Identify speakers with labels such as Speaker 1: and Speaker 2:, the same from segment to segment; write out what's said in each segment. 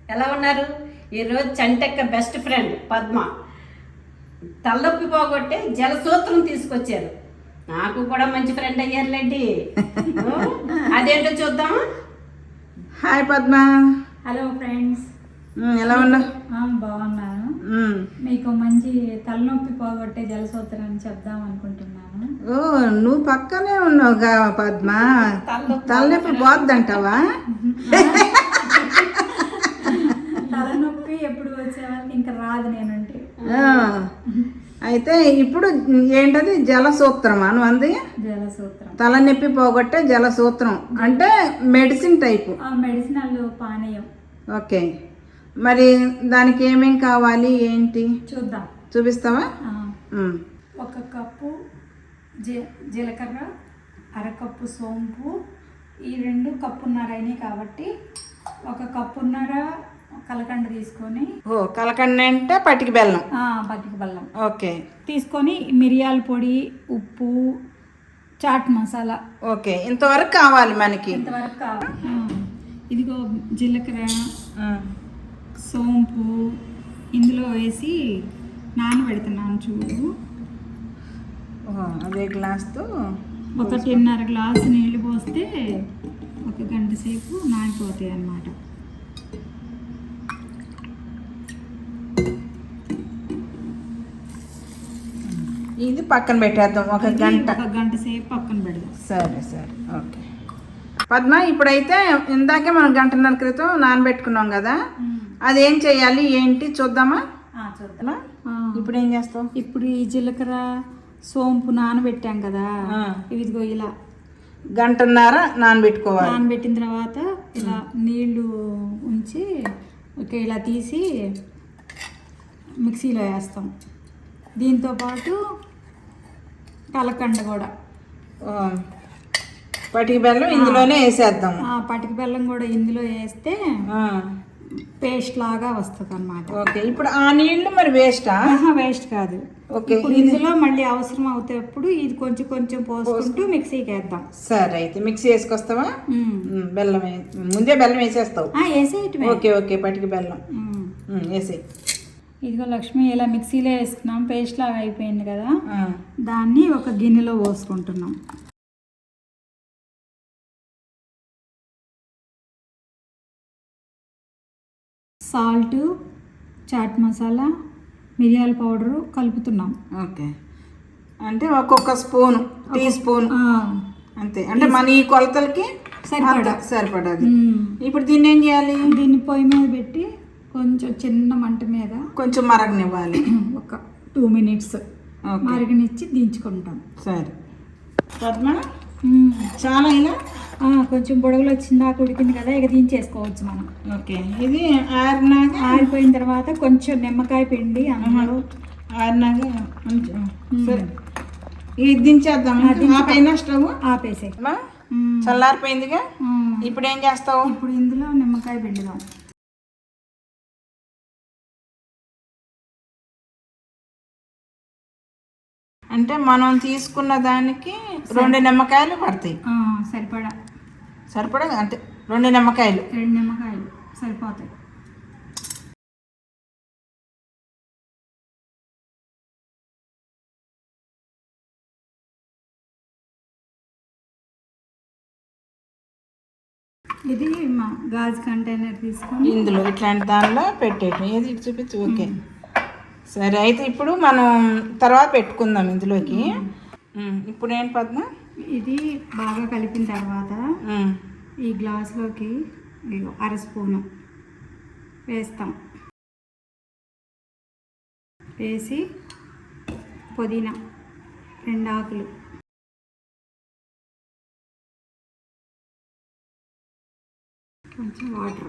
Speaker 1: ఎలా ఉన్నారు? ఈరోజు చంటెక్క బెస్ట్ ఫ్రెండ్ పద్మ తలనొప్పి పోగొట్టే జలసూత్రం తీసుకొచ్చారు. నాకు కూడా మంచి ఫ్రెండ్ అయ్యారులేండి. అదేంటో చూద్దామా?
Speaker 2: హాయ్ పద్మ.
Speaker 3: హలో ఫ్రెండ్స్,
Speaker 2: ఎలా ఉన్నా?
Speaker 3: బాగున్నాను. మీకు మంచి తలనొప్పి పోగొట్టే జలసూత్రాన్ని చెప్దాం అనుకుంటున్నాను.
Speaker 2: ఓ, నువ్వు పక్కనే ఉన్నావుగా పద్మ. తలనొప్పి పోద్దంటావా?
Speaker 3: తలనొప్పి ఎప్పుడు వచ్చే వాళ్ళకి ఇంకా రాదు నేనంటే.
Speaker 2: అయితే ఇప్పుడు ఏంటది? జలసూత్రమా నువ్వు అంది?
Speaker 3: జలసూత్రం,
Speaker 2: తలనొప్పి పోగొట్టే జలసూత్రం అంటే మెడిసిన్ టైపు.
Speaker 3: మెడిసినల్ పానీయం.
Speaker 2: ఓకే, మరి దానికి ఏమేం కావాలి ఏంటి
Speaker 3: చూద్దాం.
Speaker 2: చూపిస్తావా?
Speaker 3: ఒక కప్పు జీలకర్ర, అరకప్పు సోంపు, ఈ రెండు కప్పున్నర అయినాయి కాబట్టి ఒక కప్పున్నర కలకండ తీసుకొని.
Speaker 2: ఓ, కలకండ అంటే పటికి బెల్లం.
Speaker 3: పటికి బెల్లం
Speaker 2: ఓకే
Speaker 3: తీసుకొని, మిరియాల పొడి, ఉప్పు, చాట్ మసాలా.
Speaker 2: ఓకే, ఇంతవరకు కావాలి మనకి.
Speaker 3: ఇంతవరకు కావాలి. ఇదిగో జీలకర్ర, సోంపు ఇందులో వేసి నానబెడుతున్నాను చూడు.
Speaker 2: అదే గ్లాస్తో
Speaker 3: 1.5 గ్లాసు నీళ్ళు పోస్తే 1 గంట సేపు నానిపోతాయి అన్నమాట.
Speaker 2: ఇది పక్కన పెట్టేద్దాం. 1 గంట.
Speaker 3: 1 గంట సేపు పక్కన పెడదాం.
Speaker 2: సరే సరే, ఓకే పద్మ. ఇప్పుడైతే ఇందాకే మనం 1.5 గంట క్రితం నానబెట్టుకున్నాం కదా, అదేం చేయాలి ఏంటి చూద్దామా?
Speaker 3: చూద్దామా?
Speaker 2: ఇప్పుడు ఏం చేస్తాం?
Speaker 3: ఇప్పుడు ఈ జీలకర్ర సోంపు నానబెట్టాం కదా, ఇదిగో ఇలా
Speaker 2: 1.5 గంట నానబెట్టుకోవాలి.
Speaker 3: నానబెట్టిన తర్వాత ఇలా నీళ్లు ఉంచి ఇలా తీసి మిక్సీలో వేస్తాం. దీంతో పాటు కలకండ కూడా,
Speaker 2: పటికి బెల్లం ఇందులోనే వేసేద్దాం.
Speaker 3: పటికి బెల్లం కూడా ఇందులో వేస్తే పేస్ట్ లాగా వస్తుంది అన్నమాట.
Speaker 2: ఓకే, ఇప్పుడు ఆ నీళ్లు మరి వేస్టా?
Speaker 3: వేస్ట్ కాదు.
Speaker 2: ఓకే,
Speaker 3: ఇందులో మళ్ళీ అవసరం అవుతేప్పుడు ఇది కొంచెం కొంచెం పోసుకుంటూ మిక్సీకి వేద్దాం.
Speaker 2: సరే, అయితే మిక్సీ వేసుకొస్తావా? బెల్లం ముందే బెల్లం వేసేస్తావు?
Speaker 3: వేసేయటమే.
Speaker 2: ఓకే ఓకే, పటికి బెల్లం వేసే.
Speaker 3: ఇదిగో లక్ష్మి, ఇలా మిక్సీలో వేసుకున్నాం, పేస్ట్ లాగా అయిపోయింది కదా. దాన్ని ఒక గిన్నెలో పోసుకుంటున్నాం. సాల్ట్, చాట్ మసాలా, మిరియాల పౌడరు కలుపుతున్నాం.
Speaker 2: ఓకే, అంటే ఒక్కొక్క స్పూన్, టీ స్పూన్ అంతే. అంటే మన ఈ కొలతలకి సరిపడాది. ఇప్పుడు దీన్ని ఏం చేయాలి?
Speaker 3: దీన్ని పొయ్యి మీద పెట్టి కొంచెం చిన్న మంట మీద
Speaker 2: కొంచెం మరగనివ్వాలి.
Speaker 3: ఒక 2 మినిట్స్ మరగనిచ్చి దించుకుంటాం.
Speaker 2: సరే పద్మ, చాలా ఇలా
Speaker 3: కొంచెం బుడగలు వచ్చిందాక ఉడికింది కదా, ఇక దించేసుకోవచ్చు మనం.
Speaker 2: ఓకే, ఇది
Speaker 3: ఆరిపోయిన తర్వాత కొంచెం నిమ్మకాయ పిండి అన్నంలో
Speaker 2: ఆరినాక సరే ఇది దించేద్దాం. ఆపైన స్టవ్
Speaker 3: ఆపేసే.
Speaker 2: చల్లారిపోయిందిగా, ఇప్పుడు ఏం చేస్తావు?
Speaker 3: ఇప్పుడు ఇందులో నిమ్మకాయ పిండుదాం.
Speaker 2: అంటే మనం తీసుకున్న దానికి 2 నిమ్మకాయలు పడతాయి. సరిపడా అంటే 2 నిమ్మకాయలు.
Speaker 3: 2 నిమ్మకాయలు సరిపోతాయి. ఇది మా గాజు కంటైనర్ తీసుకొని
Speaker 2: ఇందులో ఇట్లాంటి దానిలో పెట్టేయటం. ఏది ఇటు చూపించు. ఓకే, సరే అయితే ఇప్పుడు మనం తర్వాత పెట్టుకుందాం ఇందులోకి. ఇప్పుడు ఏంటి పద్మ?
Speaker 3: ఇది బాగా కలిపిన తర్వాత ఈ గ్లాసులోకి 1/2 స్పూను వేస్తాం. వేసి పుదీనా 2 ఆకులు, కొంచెం వాటర్.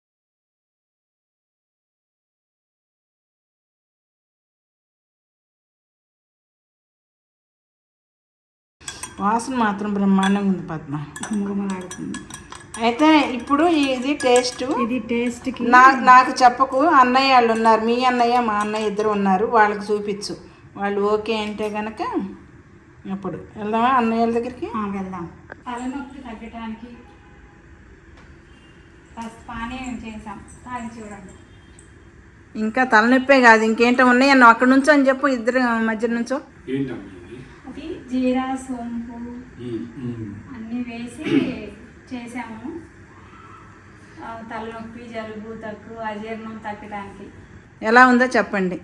Speaker 2: వాసన మాత్రం బ్రహ్మాండంగా ఉంది పద్మ,
Speaker 3: గుమగుమలాడుతుంది.
Speaker 2: అయితే ఇప్పుడు ఇది
Speaker 3: టేస్ట్కి
Speaker 2: నాకు చెప్పకు. అన్నయ్య వాళ్ళు ఉన్నారు, మీ అన్నయ్య మా అన్నయ్య ఇద్దరు ఉన్నారు, వాళ్ళకి చూపించు. వాళ్ళు ఓకే అంటే కనుక అప్పుడు వెళ్దామా అన్నయ్య వాళ్ళ దగ్గరికి?
Speaker 3: వెళ్దాం. తలనొప్పి తగ్గడానికి పానీ చేసాం, తాగి చూడండి.
Speaker 2: ఇంకా తలనొప్పే కాదు ఇంకేంటో ఉన్నాయన్న అక్కడ నుంచో అని చెప్పు, ఇద్దరు మధ్య నుంచో.
Speaker 3: అది జీరా సోంపు అన్నీ వేసి చేసాము. తలనొప్పి, జలుబు తక్కువ, అజీర్ణం తగ్గడానికి.
Speaker 2: ఎలా ఉందో చెప్పండి.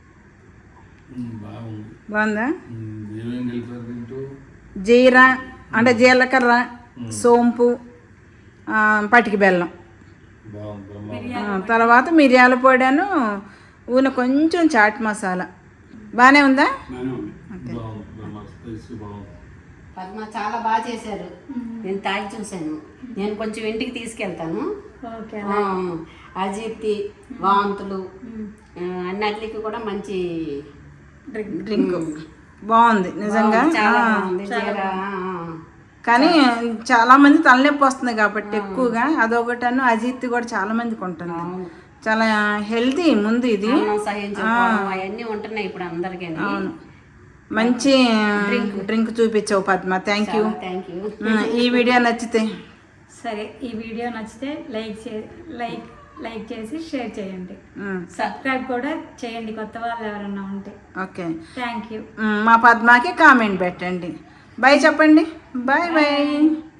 Speaker 2: బాగుందా? జీరా అంటే జీలకర్ర, సోంపు, పటికి బెల్లం, తర్వాత మిరియాల పొడిను, ఊన కొంచెం చాట్ మసాలా. బాగానే ఉందా?
Speaker 1: పద్మ చాలా బాగా చేశారు. నేను తాగి చూశాను. నేను కొంచెం ఇంటికి తీసుకెళ్తాను. అజీర్తి, వాంతులు అన్నిటికి కూడా మంచి
Speaker 2: డ్రింక్ బాగుంది నిజంగా.
Speaker 1: చాలా బాగుంది. జీరా
Speaker 2: కానీ చాలా మంది తలనొప్పి వస్తుంది కాబట్టి ఎక్కువగా అదొకటను. అజీర్తి కూడా చాలా మందికి ఉంటుంది. చాలా హెల్తీ ముందు ఇది.
Speaker 1: అవన్నీ ఉంటున్నాయి ఇప్పుడు అందరికీ.
Speaker 2: మంచి డ్రింక్ చూపించావు పద్మ. Thank you. ఈ వీడియో నచ్చితే
Speaker 3: సరే, ఈ వీడియో నచ్చితే లైక్ చేసి షేర్ చేయండి. సబ్స్క్రైబ్ కూడా చేయండి కొత్త వాళ్ళు ఎవరన్నా ఉంటే.
Speaker 2: Okay,
Speaker 3: thank you.
Speaker 2: మా పద్మకి కామెంట్ పెట్టండి. బాయ్ చెప్పండి. Bye bye.